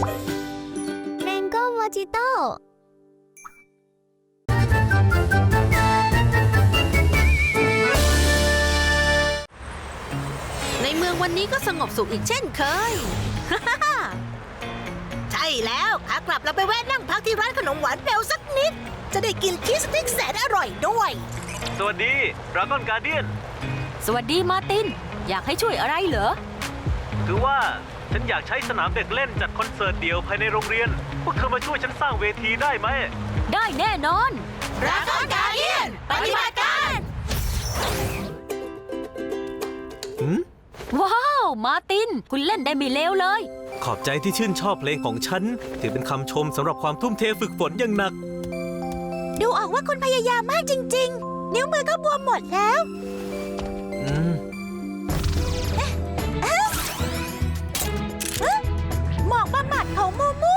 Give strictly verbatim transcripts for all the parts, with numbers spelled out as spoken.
แมงโก้มอจิโต้ในเมืองวันนี้ก็สงบสุขอีกเช่นเคย ใช่แล้วขากลับเราไปแวะนั่งพักที่ร้านขนมหวานเบลสักนิด จะได้กินชีสสติ๊กแสนอร่อยด้วยสวัสดีดราก้อนการเดียนสวัสดีมาร์ตินอยากให้ช่วยอะไรเหรอคือว่าฉันอยากใช้สนามเด็กเล่นจัดคอนเสิร์ตเดี่ยวภายในโรงเรียนพวกเธอมาช่วยฉันสร้างเวทีได้ไหมได้แน่นอนดราก้อนการเดียนปฏิบัติการว้าวมาร์ตินคุณเล่นได้ไม่เลวเลยขอบใจที่ชื่นชอบเพลงของฉันถือเป็นคำชมสำหรับความทุ่มเทฝึกฝนอย่างหนักดูออกว่าคุณพยายามมากจริงๆนิ้วมือก็บวมหมดแล้วอืมหมอกบำบัดของมูมู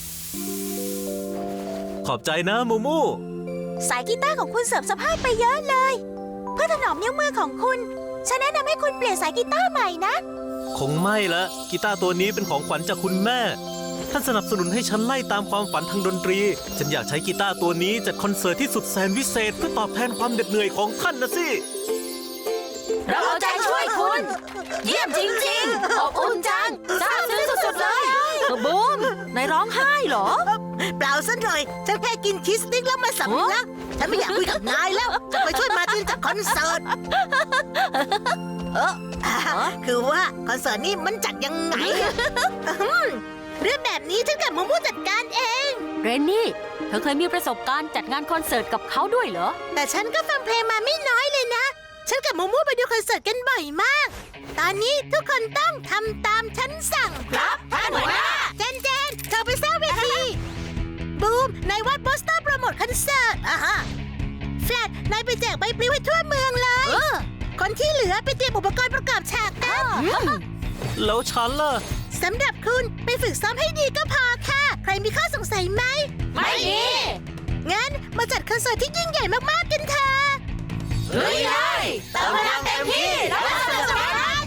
ขอบใจนะมูมูสายกีตาร์ของคุณเสริมสภาพไปเยอะเลยเพื่อถนอมนิ้วมือของคุณฉันแนะนำให้คุณเปลี่ยนสายกีตาร์ใหม่นะคงไม่ละกีตาร์ตัวนี้เป็นของขวัญจากคุณแม่ท่านสนับสนุนให้ฉันไล่ตามความฝันทางดนตรีฉันอยากใช้กีตาร์ตัวนี้จัดคอนเสิร์ตที่สุดแสนวิเศษเพื่อตอบแทนความเหน็ดเหนื่อยของท่านนะสิเราเอาใจช่วยคุณเยี่ยมจริงๆขอบคุณจังซาบซึ้งสุดๆเลยบูมนายร้องไห้เหรอเปล่าซะหน่อยฉันแค่กินชีสสติ๊กแล้วมาสำลักฉันไม่อยากคุยกับนายแล้วจะไปช่วยมาร์ตินจัดคอนเสิร์ตเออคือว่าคอนเสิร์ตนี้มันจัดยังไงเรื่องแบบนี้ฉันกับมูมูจัดการเองเรนนี่เธอเคยมีประสบการณ์จัดงานคอนเสิร์ตกับเขาด้วยเหรอแต่ฉันก็ฟังเพลงมาไม่น้อยเลยนะฉันกับมูมูไปดูคอนเสิร์ตกันบ่อยมากตอนนี้ทุกคนต้องทำตามฉันสั่งครับท่านหัวหน้าเจนเจนเธอไปสร้างเวทีบูมนายวาดโปสเตอร์โปรโมทคอนเสิร์ตอ่ะฮะแฟลตนายไปแจกใบปลิวให้ทั่วเมืองเลยคนที่เหลือไปเตรียมอุปกรณ์ประกอบฉากกันแล้วฉันล่ะสำหรับคุณไปฝึกซ้อมให้ดีก็พอค่ะใครมีข้อสงสัยไหมไม่มีงั้นมาจัดคอนเสิร์ตที่ยิ่งใหญ่มากๆกันเถอะลุยเลยเติมพลังเต็มที่รับสนุกสนาน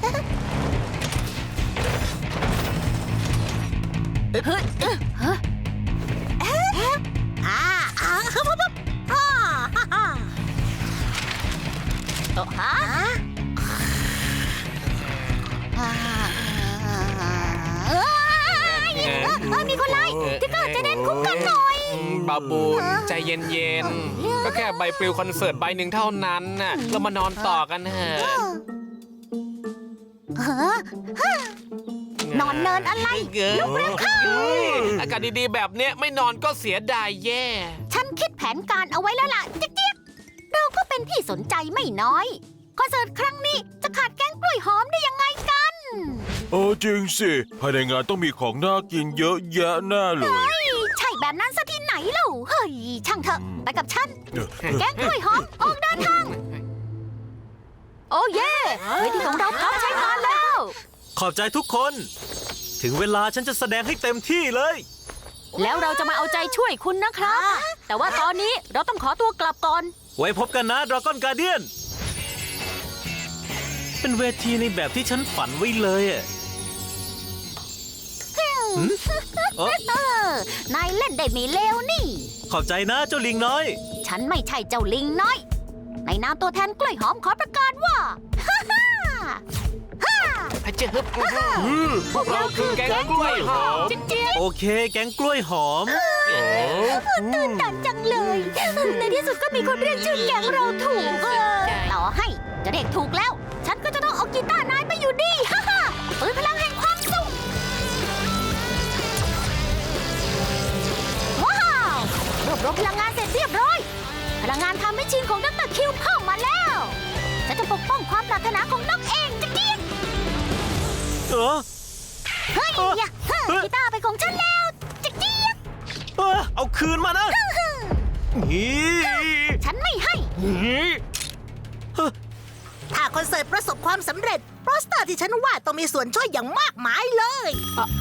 เฮ้ยเฮ้ยอ่าอ่าฮึบฮึบฮึบฮ่าฮ่าฮ่าโอ้ฮะมีคนไล่ที่เกิดจะเด่นคุ้มกันหน่อยบาบูนใจเย็นๆก็แค่ใบปลิวคอนเสิร์ตใบหนึ่งเท่านั้นน่ะเรามานอนต่อกันเถอะนอนเนินอะไรลุกเร็วเข้าอากาศดีๆแบบเนี้ยไม่นอนก็เสียดายแย่ฉันคิดแผนการเอาไว้แล้วล่ะเจี๊ยบเราก็เป็นที่สนใจไม่น้อยคอนเสิร์ตครั้งนี้จะขาดแกงกล้วยหอมได้ยังไงกันเออจริงสิภายในงานต้องมีของน่ากินเยอะแยะแน่เลยใช่แบบนั้นซะที่ไหนเล่าเฮ้ยช่างเถอะไปกับฉันแกงกล้วยหอมออกเดินทางโอ้เย่เวทีของเราพร้อมใช้งานแล้วขอบใจทุกคนถึงเวลาฉันจะแสดงให้เต็มที่เลยแล้วเราจะมาเอาใจช่วยคุณนะครับแต่ว่าตอนนี้เราต้องขอตัวกลับก่อนไว้พบกันนะดราก้อนการเดียนเป็นเวทีในแบบที่ฉันฝันไว้เลยอ่ะนายเล่นได้ไม่เลวนี่ขอบใจนะเจ้าลิงน้อยฉันไม่ใช่เจ้าลิงน้อยในนามตัวแทนกล้วยหอมขอประกาศว่าอาจารย์พวกเราคือแก๊งกล้วยหอมโอเคแก๊งกล้วยหอมตื่นตันจังเลยในที่สุดก็มีคนเรียกชื่อแก๊งเราถูกต่อให้จะเรียกถูกแล้วฉันก็จะต้องเอากีตาร์นายไปอยู่ดีฮ่าฮ่าปืนพลังแห่งความสุขว้าวรวบรวมพลังงานเสร็จเรียบร้อยพลังงานทำให้ชีนของดร.คิวเข้ามาแล้วฉันจะปกป้องความปรารถนาของนกเองจะกี้เออเฮ้ยกีตาร์ไปของฉันแล้วจะกี้เอาคืนมานะฉันไม่ให้ถ้าคอนเสิร์ตประสบความสำเร็จโปสเตอร์ที่ฉันวาดต้องมีส่วนช่วยอย่างมากมายเลย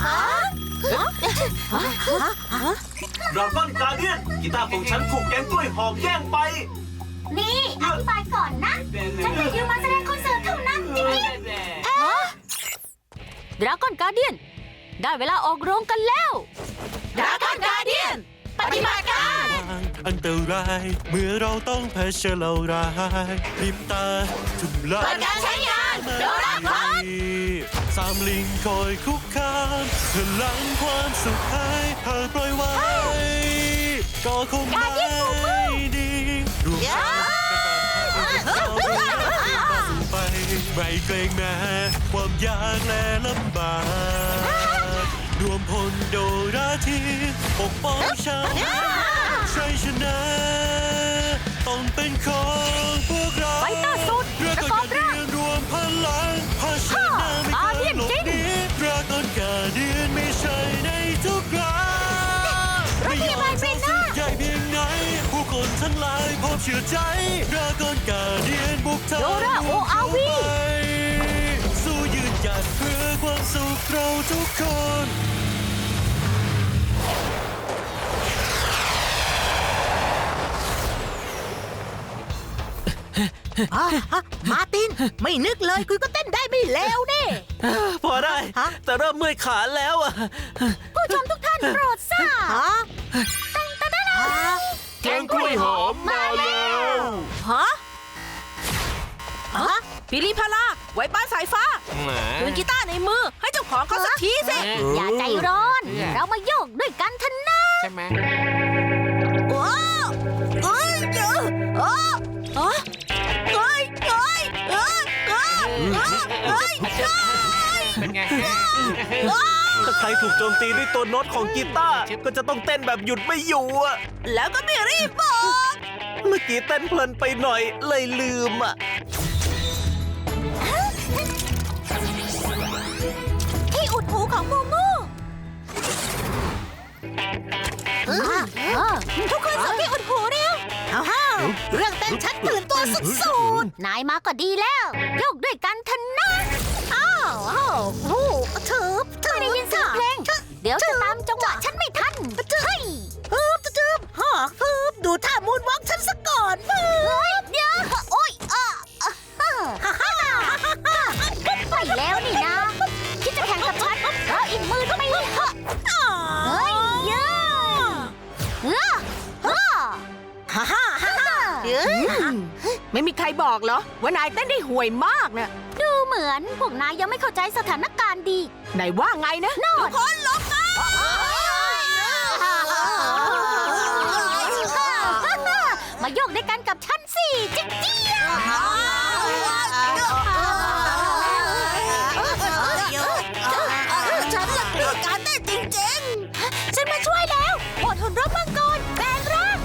ดราก้อนการเดียนกีตาร์ของฉันถูกแก๊งกล้วยหอมแย่งไปนี่อธิบายก่อนนะฉันแค่ยืมมาแสดงคอนเสิร์ตเท่านั้นจริงดราก้อนการเดียนได้เวลาออกโรงกันแล้วดราก้อนการเดียนปฏิบัติการอันตรายเมื่อเราต้องเผชิญเราร้ายพริมตาจุ่มลาเปิดการใช้งานโดราคอนสามลิงคอยคุกคามพลังความสุขให้หากปล่อยไว้ ก็คงไม่ดีรวมกันไปไม่เกรงแม้ความยากและลำบากรวมพลโดราทีปกป้องฉันชัยชนะต้องเป็นของพวกเราไฟเตอร์สุดเรือประกกออน บการร่างเดียนรวมพลังพาชนะไม่เคยหลบหนีเรือก่อนการเดียนไม่ใช่ในทุกครั้งไม่ยอมจะสุดใหญ่เพียงไหนผู้คนทั้งหลายพร้อมเชื่อใจเรือก่อนการเดียนบุกทางโดราโออาวีสู้ยืนหยัดเพื่อความสุขเราทุกคนอ่ะฮะมาร์ติน ไม่นึกเลยคุณก็เต้นได้ไม่เลวนี่พอได้ฮะแต่เริ่มเมื่อยขาแล้วอะผู้ชมทุกท่านโปรดทราบฮะฮะแกงกล้วยหอมมาแล้วฮะฮะพิลิพาลาไว้ป้าสายฟ้าแหมคืนกีตาร์ในมือให้เจ้าของเขาสักทีสิ อย่าใจร้อน เรามาโยกด้วยกันเถอะนะใช่ไหมโอ้เอ้ยเจอโอ้เอ้ยเอ้ยเอ้ยเอ้ยเอ้ยเอ้ยเป็นไงถ้าใครถูกโจมตีด้วยตัวโน้ตของกีตาร์ก็จะต้องเต้นแบบหยุดไม่อยู่อะแล้วก็ไม่รีบบอกเมื่อกี้เต้นเพลินไปหน่อยเลยลืมอะที่อุดหูของมูมูทุกคนส่งที่อุดหูเร็วเอาฮะเรื่องเต้นฉันตื่นตัวสุดนายมาก็ดีแล้ว โยกด้วยกันเถอะนะๆอ้าวอ้าวโอ้ถือถือไม่ได้ยินเสียงเพลง เดี๋ยวจะตามจังหวะฉันไม่ทันเฮ้ยฮึบจึ๊บฮะฮึบดูท่ามูนวอล์กฉันซะก่อนฮึเฮ้ยบเดี๋ยวโอ๊ยอ่ะอ่ะอ่ะฮ่าฮ่าฮ่าฮ่าไปแล้วนี่นะ คิดจะแข่งกับฉันเราอีกมือก็ไม่เหอะเฮ้ยเยอะเออเออฮ่าฮ่าฮ่าฮ่าเอ้ยไม่มีใครบอกเหรอ ว่านายเต้นได้ห่วยมากนะดูเหมือนพวกนายยังไม่เข้าใจสถานการณ์ดีไหนว่าไงนะทุกคนลงมามาโยกด้วยกันกับฉันสิจิ๊กเจี๊ยฉันละเกลียดการเต้นจริงๆ ฉันมาช่วยแล้วอดทนรบมังกรแปลงร่าง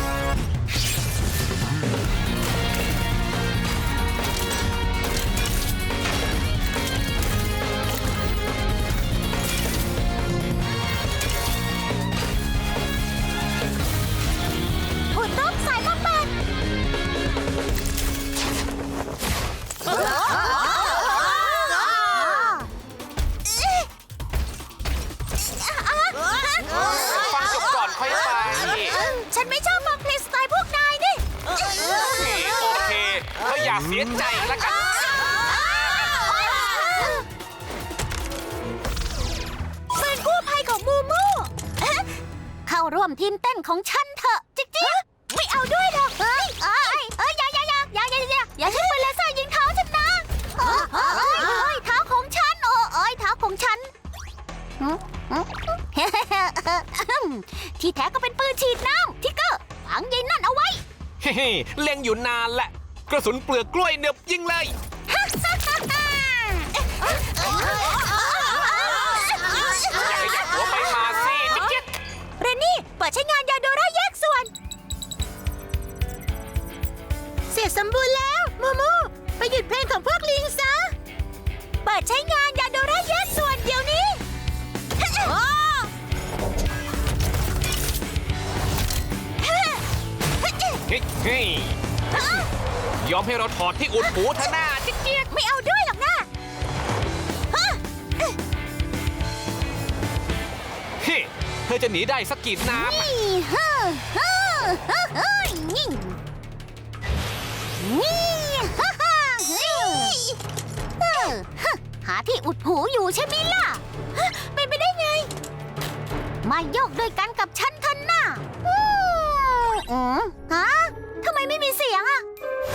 หุ่นรูปสายมาปัดฟังจบก่อนค่อยไปฉันไม่ชอบฟังเพลงสไตล์พวกนายนี่โอเคก็อย่าเสียใจแล้วกันเป็นกู้ภัยของมูมูเข้าร่วมทีมเต้นของฉันเถอะจิ๊กจิ๊กไม่เอาด้วยหรอกเฮ้ยเอ้ยเอ้ยอย่าอย่าอย่าอย่าอย่าอย่าอย่าใช้ปืนเลเซอร์ยิงเท้าฉันนะเอ้ยเอ้ยเอ้ยเท้าของฉันโอ้เอ้ยเท้าของฉันที่แท้ก็เป็นปืนฉีดน้ำทิกเกอร์ฝังยายนั่นเอาไว้เฮ้ยเล็งอยู่นานแหละ กระสุนเปลือกกล้วยเนือบยิงเลย อย่าขยับหัวไปมาสิจิ๊กจิ๊กเรนนี่เปิดใช้งานยาโดราแยกส่วนเสร็จสมบูรณ์แล้ว มูมู ไปหยุดเพลงของพวกลิงซะเปิดใช้งานยาโดราแยกส่วนเดี๋ยวนี้เฮ้ยเฮ้ยยอมให้เราถอดที่อุดหูเธอหน้าจิ๊กจิ๊กไม่เอาด้วยหรอกนะเฮ้ยเธอจะหนีได้สักกี่น้ำอะนี่เฮ้อเฮ้อเฮ้อเฮ้ยนี่นี่ฮ่าฮ่าเฮ้ยเออฮะหาที่อุดหูอยู่ใช่ไหมล่ะฮะเป็นไปได้มาโยกด้วยกันกับฉันเถอะนะอืมอืมฮะทำไมไม่มีเสียงอะ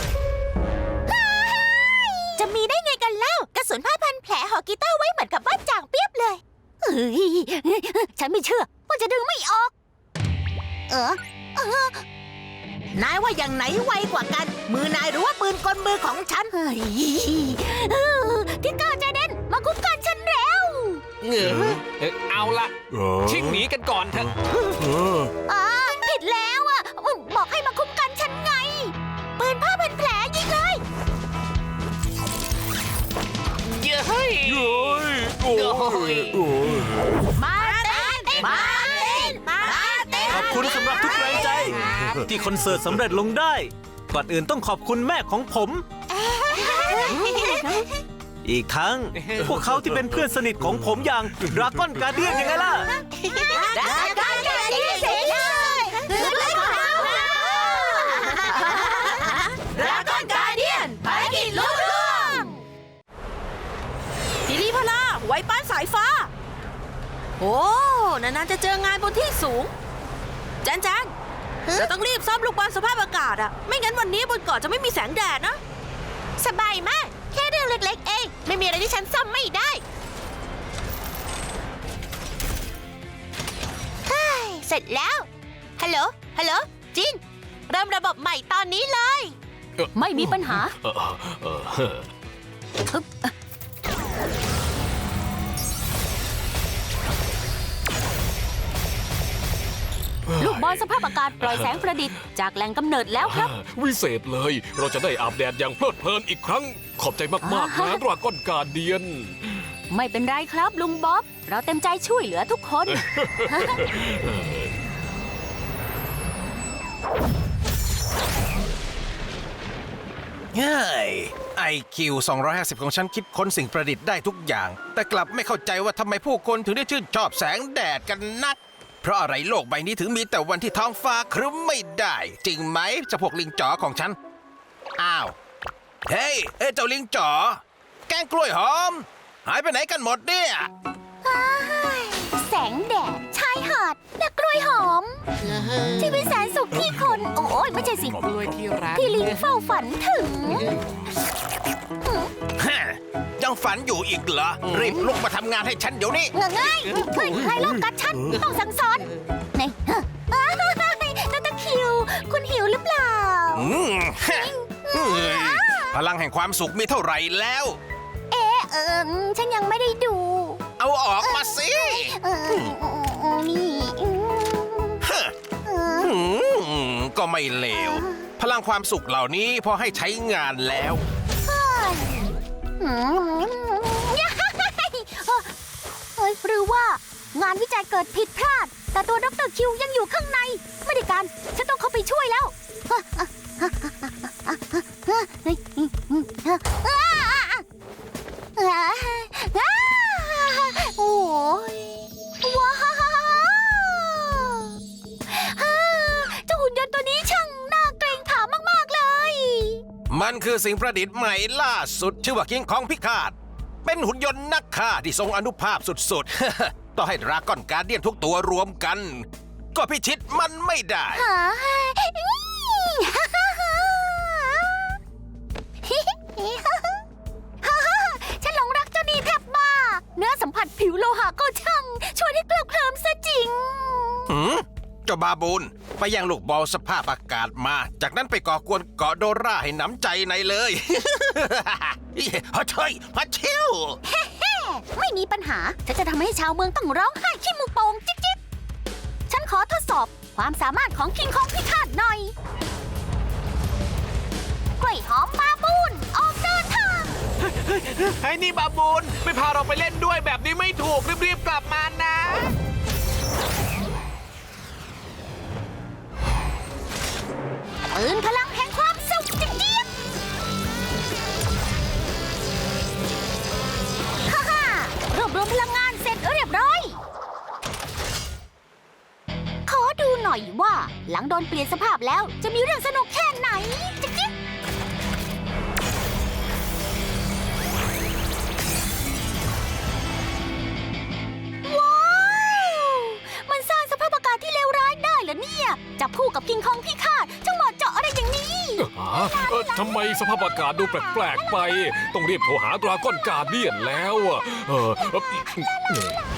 จะมีได้ไงกันเล่ากระสุนผ้าพันแผลห่อกีตาร์ไว้เหมือนกับบ้านจ่างเปียบเลยเฮ้ยฉันไม่เชื่อว่าจะดึงไม่ออก เออเออนายว่าอย่างไหนไวกว่ากัน มือนายหรือว่าปืนกลมือของฉันเฮ้ยเออทิกเกอร์ใจเด่นมาคุ้มกันฉันแล้วเหงือเอ่อเอาละเออชิ่งหนีกันก่อนเถอะเอออ่าผิดแล้วอ่ะบอกให้มาคุ้มกันฉันไง ปืนผ้าพันแผลยิงเลยเย้ยเย้ยโอ้ยโอ้ยมาเต้นมาเต้นมาเต้นขอบคุณสำหรับทุกแรงใจ ที่คอนเสิร์ตสำเร็จลงได้ ก่อนอื่นต้องขอบคุณแม่ของผม อีกทั้ง พวกเขาที่เป็นเพื่อนสนิทของผมอย่างดราก้อนการเดียนยังไงล่ะได้ได้ได้เสร็จเลยคือเรื่องของเราดราก้อนการเดียนภารกิจลุล่วงทีรีพลาไว้ป้านสายฟ้า โอ้นานๆจะเจองานบนที่สูงแจนแจนเราต้องรีบซ่อมลูกบอลสภาพอากาศอะไม่งั้นวันนี้บนเกาะจะไม่มีแสงแดดนะสบายมาก แค่เรื่องเล็กๆเอง ไม่มีอะไรที่ฉันซ่อมไม่ได้เฮ้ยเสร็จแล้ว ฮัลโหล ฮัลโหล จิน เริ่มระบบใหม่ตอนนี้เลยไม่มีปัญหาเออเออเออลูกบอลสภาพอากาศปล่อยแสงประดิษฐ์จากแหล่งกำเนิดแล้วครับวิเศษเลย เราจะได้อาบแดดอย่างเพลิดเพลินอีกครั้ง ขอบใจมากๆนะดราก้อนการเดียนไม่เป็นไรครับลุงบ๊อบ เราเต็มใจช่วยเหลือทุกคนเฮ้ย ไอ คิว สองร้อยห้าสิบ ของฉันคิดค้นสิ่งประดิษฐ์ได้ทุกอย่าง แต่กลับไม่เข้าใจว่าทำไมผู้คนถึงได้ชื่นชอบแสงแดดกันนัก เพราะอะไรโลกใบนี้ถึงมีแต่วันที่ท้องฟ้าครึ้มไม่ได้ จริงไหมเจ้าพวกลิงจ๋อของฉัน อ้าว เฮ้ย เอ้ยเจ้าลิงจ๋อ แกงกล้วยหอม หายไปไหนกันหมดเนี่ยแสงแดดชายหาดและกล้วยหอม ที่เป็นแสนสุขที่คน โอ้ยไม่ใช่สิกล้วยที่รักที่ลิงเฝ้าฝันถึงฮะ ยังฝันอยู่อีกเหรอ รีบลุกมาทำงานให้ฉันเดี๋ยวนี้เงง่ายเฮ้ยใครลอบกัดฉัน ต้องสั่งสอนนี่เฮ้ยอ้าวนาตาคิว คุณหิวหรือเปล่าอืมฮะอืมพลังแห่งความสุขมีเท่าไหร่แล้วเอ๊ะเออฉันยังไม่ได้ดูเอาออกมาสิเออนี่อืมฮะเอออืมก็ไม่เลว พลังความสุขเหล่านี้พอให้ใช้งานแล้วอืมเฮ้ยหรือว่างานวิจัยเกิดผิดพลาด แต่ตัวดรคิวยังอยู่ข้างใน ไม่ได้การ ฉันต้องเข้าไปช่วยแล้ว โอ้ยว้าวเจ้าหุ่นยนต์ตัวนี้ช่างน่าเกรงขามมากๆเลยมันคือสิ่งประดิษฐ์ใหม่ล่าสุด ชื่อว่าคิงของพิฆาต เป็นหุ่นยนต์นักฆ่าที่ทรงอนุภาพสุดๆ ต่อให้ดราก้อนการเดียนทุกตัวรวมกัน ก็พิชิตมันไม่ได้หาฉันหลงรักเจ้านี่แทบบ้า เนื้อสัมผัสผิวโลหะก็ช่างชวนให้เคลิบเคลิ้มซะจริงหืมเจ้าบาบูนไปยังลูกบอลสภาพอากาศมา จากนั้นไปก่อกวนเกาะโดราให้หนำใจในเลย ฮัชเชยฮัชชิวไม่มีปัญหา ฉันจะทำให้ชาวเมืองต้องร้องไห้ขี้มูกโป่งจิ๊บจิ๊บฉันขอทดสอบความสามารถของคิงคองพิฆาตหน่อยกล้วยหอมบาบูนออกเดินทางไอ้นี่บาบูนไม่พาเราไปเล่นด้วยแบบนี้ไม่ถูก รีบๆกลับมานะปืนพลังแห่งความสุขจิ๊บจิ๊บฮ่าฮ่ารวบรวมพลังงานเสร็จเรียบร้อย ขอดูหน่อยว่า หลังโดนเปลี่ยนสภาพแล้วจะมีเรื่องสนุกแค่ไหนจิ๊บจิ๊บว้าว มันจับคู่กับคิงคองพี่ข้าเจ้าเหมาะเจาะอะไรอย่างนี้หาเอ่อทำไมสภาพอากาศดูแปลกๆไป ต้องรีบโทรหาดราก้อนการเดียนแล้วอะเออเอ่อ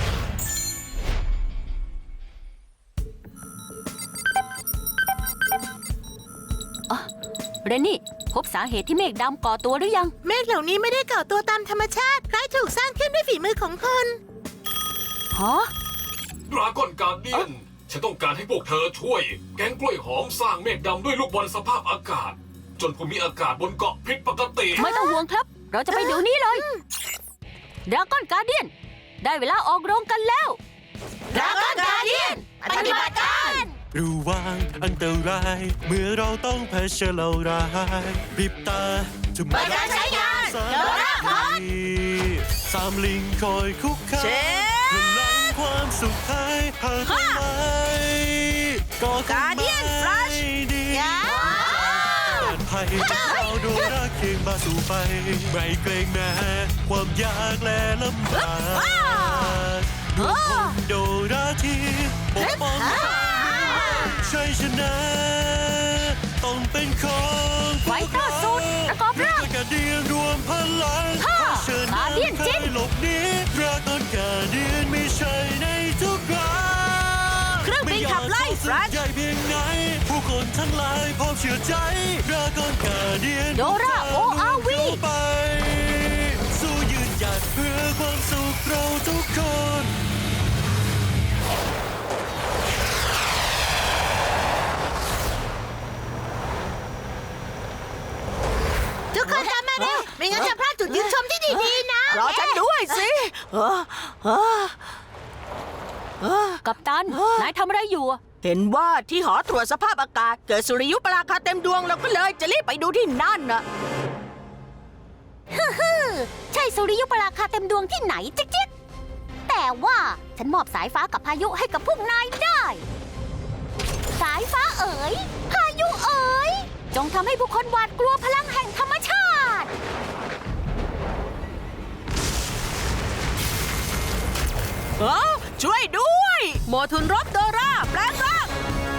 เรนนี่ พบสาเหตุที่เมฆดำก่อตัวหรือยังเมฆเหล่านี้ไม่ได้ก่อตัวตามธรรมชาติคล้ายถูกสร้างขึ้นด้วยฝีมือของคนฮะดราก้อนการเดียน ฉันต้องการให้พวกเธอช่วย แก๊งกล้วยหอมสร้างเมฆดำด้วยลูกบอลสภาพอากาศ จนภูมิอากาศบนเกาะผิดปกติไม่ต้องห่วงครับ เราจะไปเดี๋ยวนี้เลยดราก้อนการเดียน ได้เวลาออกโรงกันแล้วดราก้อนการเดียนปฏิบัติการระวังอันตราย เมื่อเราต้องเผชิญเราร้ายพริบตาจะเปิดการใช้งานโดราคอนสามลิงคอยคุกคาเชฟพลังความสุขให้หาทำไมก็คง Guardian ไม่ Flash ดี การภัยจะเอาโดราเคียงมาสู่ไป ไม่เกรงแม้ความยากและลำบากดวงคนโดราที่ปกป้องชัยชนะ ต้องเป็นของไฟเตอร์สูตรประกอบร่างกระเดียนรวมพลังฮ่าเชิญ Guardian ใครจิ้นหลบหนีดราก้อนกาเดียนไม่ใช่ในทุกครั้งเครื่องบินขับไล่ม่ฟรัชใหญ่เพียงไหน ผู้คนทั้งหลายพร้อมเชื่อใจดราก้อนกาเดียนโดรา โอ อาร์ วีไป สู้ยืนหยัดเพื่อความสุขเราทุกคนทุกคนตามมาเร็ว ไม่งั้นจะพลาดจุดยืนชมที่ดีๆนะรอฉันด้วยสิเออเออเออกัปตัน นายทำอะไรอยู่อะเห็นว่าที่หอตรวจสภาพอากาศ เกิดสุริยุปราคาเต็มดวงเราก็เลยจะรีบไปดูที่นั่นน่ะใช่สุริยุปราคาเต็มดวงที่ไหนจิ๊กจิ๊กแต่ว่าฉันมอบสายฟ้ากับพายุให้กับพวกนายได้ สายฟ้าเอ๋ย พายุเอ๋ย จงทำให้ผู้คนหวาดกลัวพลังแห่งธรรมชาติเออช่วยด้วยโมทุนรบโดราแปลงร่าง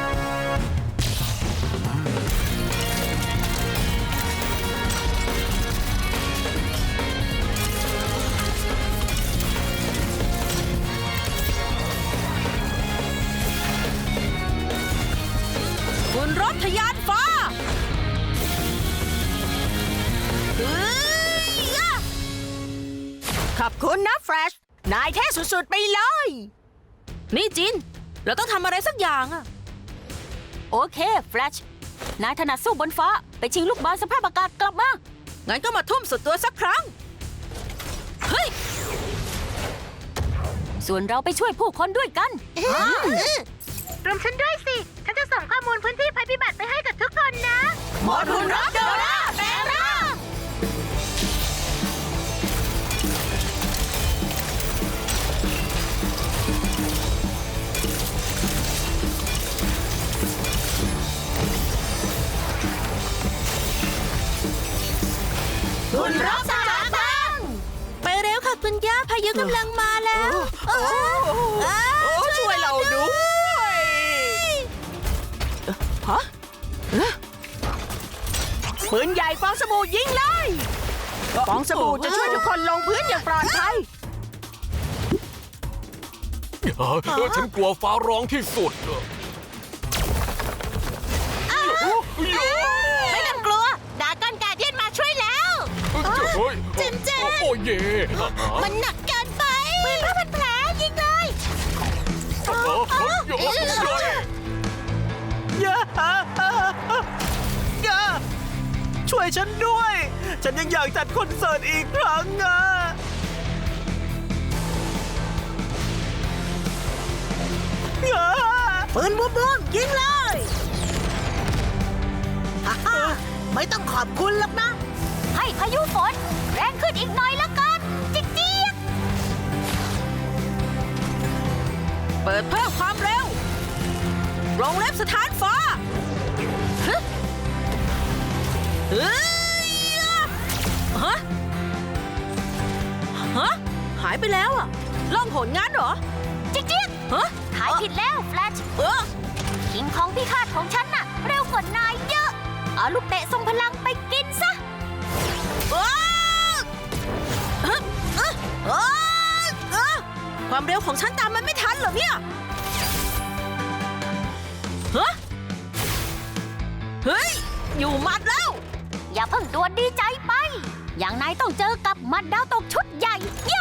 คุณรบทะยานฟ้าเอ้ยยะขอบคุณนะแฟรชนายเท่สุดๆไปเลย นี่จิน เราต้องทำอะไรสักอย่างอะโอเค แฟลช นายถนัดสู้บนฟ้า ไปชิงลูกบอลสภาพอากาศกลับมางั้นก็มาทุ่มสุดตัวสักครั้ง เฮ้ยส่วนเราไปช่วยผู้คนด้วยกันรวมฉันด้วยสิ ฉันจะส่งข้อมูลพื้นที่ภัยพิบัติไปให้กับทุกคนนะโมทุนรบโดราแปลงร่าง คุณรบสามตังไปเร็วค่ะคุณย่าพายุกำลังมาแล้วโอ้ช่วยเราด้วยฮะปืนใหญ่ฟองสบู่ยิงเลยฟองสบู่จะช่วยทุกคนลงพื้นอย่างปลอดภัยเออเออฉันกลัวฟ้าร้องที่สุดไม่ต้องกลัว ดราก้อนการเดียนมาช่วยแล้วเฮ้ยเจนเจนโอ้เย่มันหนักเกินไปปืนผ้าพันแผลยิงเลยเออเฮ้ยโอ้ยอย่าอย่าช่วยฉันด้วย ฉันยังอยากจัดคอนเสิร์ตอีกครั้งอ่ะอย่าปืนบูมบูมยิงเลยฮ่าฮ่าไม่ต้องขอบคุณหรอกนะให้พายุฝนแรงขึ้นอีกหน่อยละกัน จิ๊กจิ๊กเปิดเพิ่มความเร็ววงเล็บสถานฟ้าฮึเฮ้ยฮะฮะหายไปแล้วอ่ะล่องหนงั้นเหรอจิ๊กจิ๊กฮะถ่ายผิดแล้ว แฟลชเออคิงคองพิพิฆาตของฉันน่ะ เร็วกว่านายเยอะ เอาลูกเตะทรงพลังไปกินซะอ้าวเอ๊ะเอ๊ะเอ๊ะเอ๊ะความเร็วของฉันตามมันไม่ทันเหรอเนี่ยฮะเฮ้ย อยู่หมัดแล้วอย่าเพิ่งตัวดีใจไป อย่างนายต้องเจอกับหมัดดาวตกชุดใหญ่โย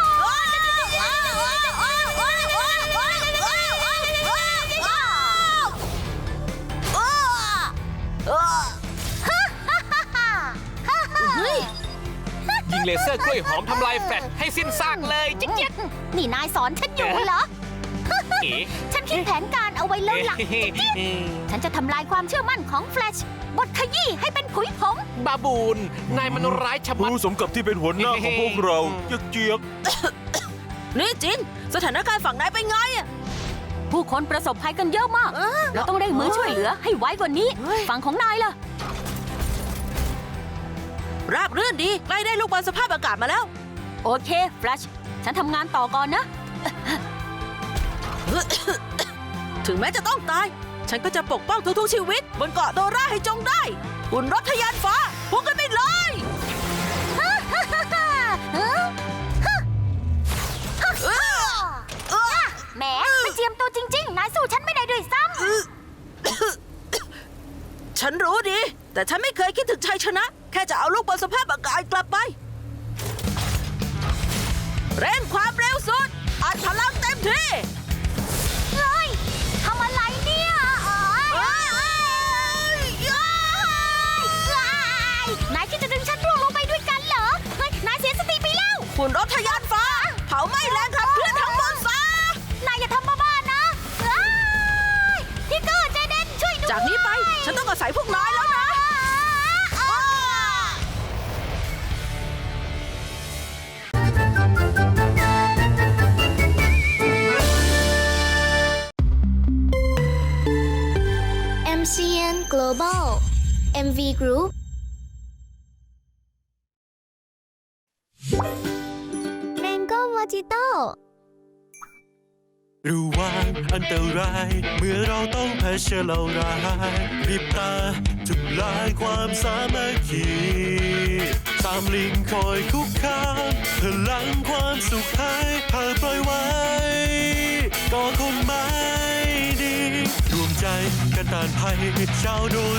เฮ้ยยิงเลเซอร์กล้วยหอมทำลายแฟลชให้สิ้นซากเลยจิ๊กจิ๊กนี่นายสอนฉันอยู่เหรอเอ๋ฉันคิดแผนการเอาไว้แล้วล่ะ ฉันจะทำลายความเชื่อมั่นของแฟลชบดขยี้ให้เป็นผุยผงบาบูน นายมันร้ายชะมัดรู้สมกับที่เป็นหัวหน้าของพวกเราเจี๊ยกเจี๊ยกนี่จิน สถานการณ์ฝั่งนายเป็นไงอะผู้คนประสบภัยกันเยอะมาก เราต้องเร่งมือช่วยเหลือให้ไวกว่านี้เฮ้ยฝั่งของนายล่ะราบรื่นดี ใกล้ได้ลูกบอลสภาพอากาศมาแล้วโอเคแฟลชฉันทำงานต่อก่อนนะถึงแม้จะต้องตาย ฉันก็จะปกป้องทุกๆชีวิต บนเกาะโดราให้จงได้หุ่นรถทะยานฟ้าพุ่งกันไปเลยแหมไม่เจียมตัวจริง ๆ นายสู้ฉันไม่ได้ด้วยซ้ฉันรู้ดี แต่ฉันไม่เคยคิดถึงชัยชนะ แค่จะเอาลูกบอลสภาพอากาศกลับไป เร่งความเร็วสุด อัดพลังเต็มที่ำเฮ้ยทำอะไรเนี่ยเอ้ยเอ้ยเอ้ยนายคิดจะดึงฉันร่วงลงไปด้วยกันเหรอ เฮ้ย นายเสียสติไปแล้วหุ่นรถทะยานฟ้า เผาไหม้แรงขับเคลื่อนทั้งหมดซะนายอย่าทำบ้าๆนะเอ้ยพี่เกอร์ใจเด่นช่วยด้วยจากนี้ไป ฉันต้องอาศัยพวกนายแล้วนะเอ็ม ซี เอ็น Global เอ็ม วี Group Mango Mojito ระวังอันตรายเมื่อเราต้องเผชิญเราร้ายรีบตาทำลายความสามัคคีตามลิงคอยคุกคามพลังความสุขหายหากปล่อยไว้ก็คงไม่ดีรวมใจกันต้านภัยชาวโด